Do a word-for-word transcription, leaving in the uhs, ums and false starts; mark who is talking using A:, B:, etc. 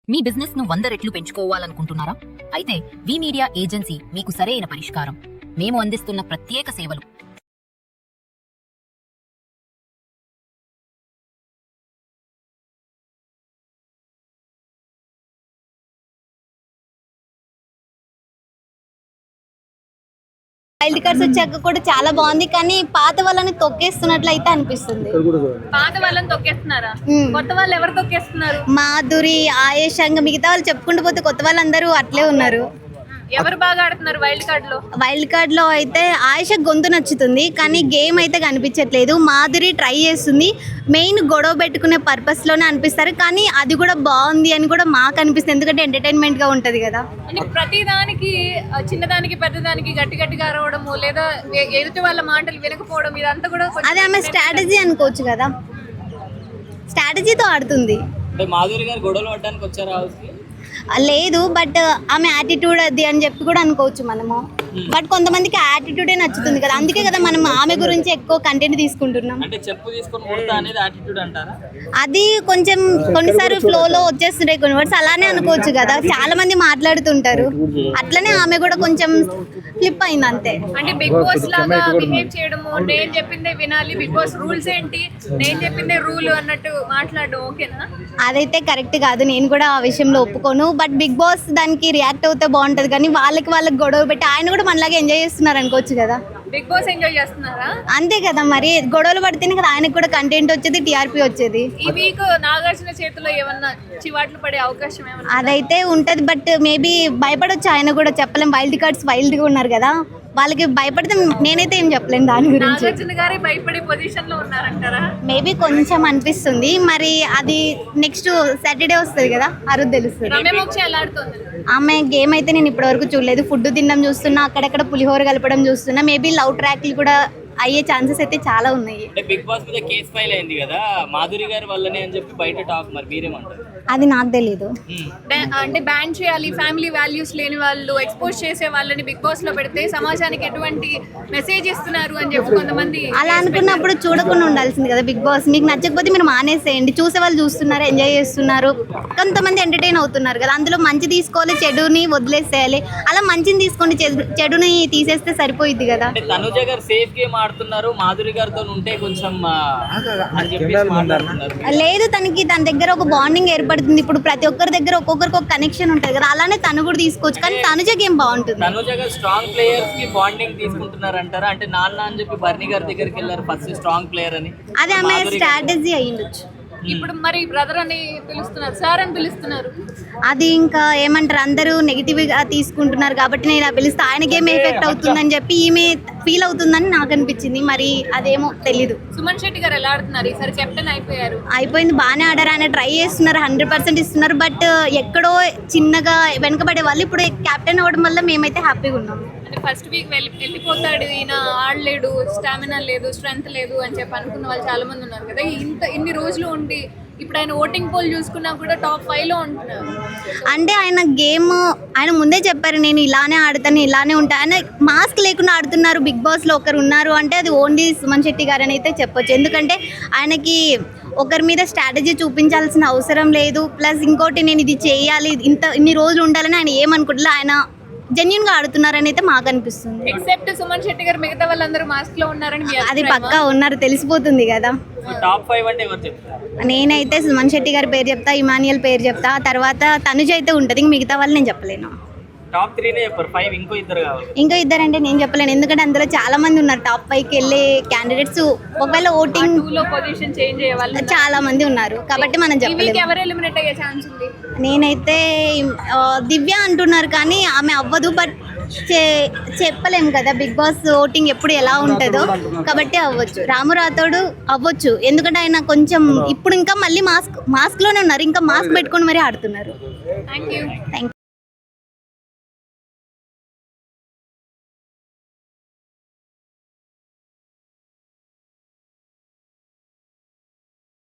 A: మీ business ను వంద రెట్లు పెంచుకోవాలనుకుంటున్నారా? అయితే వి మీడియా ఏజెన్సీ మీకు సరైన పరిష్కారం. మేము అందిస్తున్న ప్రత్యేక సేవలు
B: వైల్డ్ కార్డ్స్ వచ్చాక కూడా చాలా బాగుంది, కానీ పాత వాళ్ళని తొక్కేస్తున్నట్లు అయితే అనిపిస్తుంది.
C: పాత వాళ్ళని తొక్కేస్తున్నారా? కొత్త వాళ్ళు ఎవరు తొక్కేస్తున్నారు?
B: మాధురి, ఆయేష్, ఇంకా మిగతా వాళ్ళు చెప్పుకుంటూ పోతే కొత్త వాళ్ళందరూ అట్లే ఉన్నారు.
C: ఎవరు బాగా ఆడుతున్నారు వైల్డ్ కార్డ్ లో?
B: వైల్డ్ కార్డ్ లో అయితే ఆయేష గొంతు నచ్చుతుంది, కానీ గేమ్ అయితే కనిపించట్లేదు. మాధురి ట్రై చేస్తుంది, మెయిన్ గొడవ పెట్టుకునే పర్పస్ లోనే అనిపిస్తారు, కానీ అది కూడా బాగుంది అని కూడా మాకు అనిపిస్తుంది, ఎందుకంటే ఎంటర్టైన్మెంట్ గా ఉంటది కదా.
C: అంటే ప్రతి దానికి చిన్నదానికి పెద్దదానికి గట్టి గట్టిగా అరవడము, లేదా ఎదుటి వాళ్ళ మాటలు వినకపోవడం, ఇదంతా కూడా
B: అదే ఆమె స్ట్రాటజీ అనుకోవచ్చు కదా, స్ట్రాటజీతో ఆడుతుంది.
D: మాధురి గారు గొడవలు పడడానికి వచ్చారు హౌస్కి?
B: లేదు, బట్ ఆమె యాటిట్యూడ్ అది అని చెప్పి కూడా అనుకోవచ్చు మనము. బట్ కొంతమందికి యాటిట్యూడే నచ్చుతుంది కదా, అందుకే కదా మనం ఆమె గురించి ఎక్కువ కంటెంట్ తీసుకుంటున్నాం.
D: అంటే చెప్పు తీసుకొని కొడతా అనేది యాటిట్యూడ్ అంటారా?
B: అది కొంచెం కొన్నిసార్లు ఫ్లోలో వచ్చేస్తుంటాయి కొన్ని వర్డ్స్, అలానే అనుకోవచ్చు కదా. చాలా మంది మాట్లాడుతుంటారు, అట్లనే ఆమె కూడా కొంచెం ఫ్లిప్ అయింది అంతే.
C: అంటే బిగ్ బాస్ లాగా బిహేవ్ చేయడము, నేను చెప్పిందే వినాలి, బిగ్ బాస్ రూల్స్ ఏంటి, నేను చెప్పిందే రూల్ అన్నట్టు మాట్లాడడం ఓకేనా?
B: అదైతే కరెక్ట్ కాదు, నేను కూడా ఆ విషయంలో ఒప్పుకోను. బట్ బిగ్ బాస్ దానికి రియాక్ట్ అవుతే బాగుంటది, కానీ వాళ్ళకి వాళ్ళకి గొడవ పెట్టి ఆయన కూడా మనలాగా ఎంజాయ్ చేస్తున్నారు అనుకోవచ్చు కదా.
C: బిగ్ బాస్ ఎంజాయ్ చేస్తున్నారా?
B: అంతే కదా, మరి గొడవలు పడితేనే కదా ఆయనకు కూడా కంటెంట్ వచ్చేది, టీఆర్పీ వచ్చేది.
C: ఈ వీక్ నాగార్జున చేతిలో ఏమన్నా చివాట్లు పడే అవకాశం ఏమన్నా?
B: అదైతే ఉంటది, బట్ మేబీ భయపడొచ్చు ఆయన కూడా, చెప్పలేం. వైల్డ్ కార్డ్స్ వైల్డ్ గా ఉన్నారు కదా, వాళ్ళకి భయపడితే నేనైతే ఏం చెప్పలేను దాని గురించి.
C: నాగార్జున గారే భయపడే పొజిషన్ లో ఉన్నారంటారా?
B: మేబీ కొంచెం అనిపిస్తుంది, మరి అది నెక్స్ట్ సాటర్డే వస్తుంది కదా, ఆ రోజు తెలుస్తుంది.
C: రమ్యమోక్ష ఎలా ఆడుతుంది?
B: ఆమె గేమ్ అయితే నేను ఇప్పటివరకు చూడలేదు. ఫుడ్ తినడం చూస్తున్నా, అక్కడక్కడ పులిహోర కలపడం చూస్తున్నా. మేబీ లవ్ ట్రాక్లు కూడా అయ్యే ఛాన్సెస్ అయితే చాలా ఉన్నాయి.
D: అంటే బిగ్ బాస్ మీద కేసు ఫైల్ అయింది కదా మాధురి గారి వల్లనే అని చెప్పి బయట టాక్, మరి మీరేమంటారు?
B: అది నాకు తెలీదు.
C: అంటే బ్యాన్ చేయాలి, ఫ్యామిలీ వాల్యూస్ లేని వాళ్ళు ఎక్స్పోజ్ చేసే వాళ్ళని బిగ్ బాస్ లో పెడితే సమాజానికి ఎటువంటి మెసేజ్ ఇస్తున్నారు అని చెప్పి కొంతమంది.
B: అలా అనుకున్నప్పుడు చూడకుండా ఉండాల్సింది కదా బిగ్ బాస్. మీకు నచ్చకపోతే మీరు మానేసేయండి, చూసే వాళ్ళు చూస్తున్నారు, ఎంజాయ్ చేస్తున్నారు, కొంతమంది ఎంటర్టైన్ అవుతున్నారు కదా. అందులో మంచి తీసుకోవాలి, చెడుని వదిలేసేయాలి. అలా మంచిని తీసుకోండి, చెడుని తీసేస్తే సరిపోయిద్ది కదా.
D: తనుజ గారు సేఫ్ గేమ్ ఆడుతున్నారు, మాధురి గారితో ఉంటే కొంచెం అని చెప్పి మాట్లాడుతున్నారు.
B: లేదు, తనకి తన దగ్గర ఒక బాండింగ్ ఏర్పడుతుంది. ఇప్పుడు ప్రతి ఒక్కరి దగ్గర ఒక్కొక్కరికి ఒక కనెక్షన్ ఉంటుంది కదా, అలానే తను కూడా తీసుకోవచ్చు. కానీ తనుజ గేమ్ బాగుంటుంది.
D: తనుజ గారు స్ట్రాంగ్ ప్లేయర్స్ కి బాండింగ్ తీసుకుంటున్నారు అంటారా? అంటే నాన్న అని చెప్పి బర్నీ గారి దగ్గరికి వెళ్ళారు ఫస్ట్ స్ట్రాంగ్ ప్లేయర్ అని,
B: అది ఆమె స్ట్రాటజీ అయ్యిండొచ్చు.
C: ఇప్పుడు మరి బ్రదర్ అని పిలుస్తున్నారు, సార్ అని పిలుస్తున్నారు.
B: అది ఇంకా ఏమంటారు, అందరూ నెగిటివ్ గా తీసుకుంటున్నారు కాబట్టి నేను ఆ పిలిస్తే ఆయనకి ఏమి ఎఫెక్ట్ అవుతుందని చెప్పి ఈమె ఫీల్ అవుతుందని నాకు అనిపించింది. మరి అదేమో తెలీదు.
C: సుమన్ శెట్టి గారు ఎలా ఆడుతున్నారు ఈసారి? కెప్టెన్ అయిపోయారు.
B: అయిపోయింది, బాగానే ఆడారు. ఆయన ట్రై చేస్తున్నారు, హండ్రెడ్ పర్సెంట్ ఇస్తున్నారు. బట్ ఎక్కడో చిన్నగా వెనకబడే వాళ్ళు ఇప్పుడు కెప్టెన్ అవ్వడం వల్ల మేమైతే హ్యాపీగా ఉన్నాం.
C: అంటే ఫస్ట్ వీక్ వెళ్ళి వెళ్ళిపోతాడు ఈయన, ఆడలేడు, స్టామినా లేదు, స్ట్రెంత్ లేదు అని చెప్పి అనుకున్న వాళ్ళు చాలా మంది ఉన్నారు కదా. ఇంత ఇన్ని రోజులు ఉండి ఇప్పుడు ఆయన ఓటింగ్ పోల్ చూసుకున్నా కూడా టాప్ ఫైవ్ లో ఉంటున్నారు.
B: అంటే ఆయన గేమ్ ఆయన ముందే చెప్పారు, నేను ఇలానే ఆడతాను, ఇలానే ఉంటా. ఆయన మాస్క్ లేకుండా ఆడుతున్నారు. బిగ్ బాస్ లో ఒకరు ఉన్నారు అంటే అది ఓన్లీ సుమన్ శెట్టి గారు అని అయితే చెప్పొచ్చు. ఎందుకంటే ఆయనకి ఒకరి మీద స్ట్రాటజీ చూపించాల్సిన అవసరం లేదు. ప్లస్ ఇంకోటి, నేను ఇది చేయాలి, ఇంత ఇన్ని రోజులు ఉండాలని ఆయన ఏమనుకుంటున్నా, ఆయన జెన్యున్ గా ఆడుతున్నారని అయితే మాకు అనిపిస్తుంది.
C: ఎక్సెప్ట్ సుమన్ శెట్టి గారు మిగతా వాళ్ళందరూ మాస్క్ లో ఉన్నారని
B: అది పక్కా ఉన్నారు, తెలిసిపోతుంది కదా.
D: టాప్ ఫైవ్ అంటే ఎవరు చెప్తారు?
B: నేనైతే సుమన్ శెట్టి గారి పేరు చెప్తా, ఇమానియల్ పేరు చెప్తా, తర్వాత తనుజ అయితే ఉంటుంది. ఇంక మిగతా వాళ్ళు నేను చెప్పలేను.
D: టాప్ త్రీనే చెప్పారు, ఫైవ్ ఇంకో ఇద్దరు కావాలి.
B: ఇంకో ఇద్దరు అంటే నేను చెప్పలేను, ఎందుకంటే అందులో చాలా మంది ఉన్నారు. టాప్ ఫైవ్ కి వెళ్ళే క్యాండిడేట్స్ ఒకవేళ ఓటింగ్
C: లో పొజిషన్ చేంజ్ అయ్యే వాళ్ళు
B: చాలా మంది ఉన్నారు, కాబట్టి మనం చెప్పలేము.
C: ఎవరు ఎలిమినేట్ అయ్యే ఛాన్స్ ఉంది?
B: నేనైతే ఆ, దివ్య అంటున్నారు, కానీ ఆమె అవ్వదు. బట్ చెప్పలేము కదా, బిగ్ బాస్ ఓటింగ్ ఎప్పుడు ఎలా ఉంటుందో, కాబట్టి అవ్వచ్చు. రాము రాథోడు అవ్వచ్చు, ఎందుకంటే ఆయన కొంచెం ఇప్పుడు ఇంకా మళ్ళీ మాస్క్ మాస్క్ లోనే ఉన్నారు, ఇంకా మాస్క్ పెట్టుకొని మరీ ఆడుతున్నారు.
C: Thank you.
B: Thank you.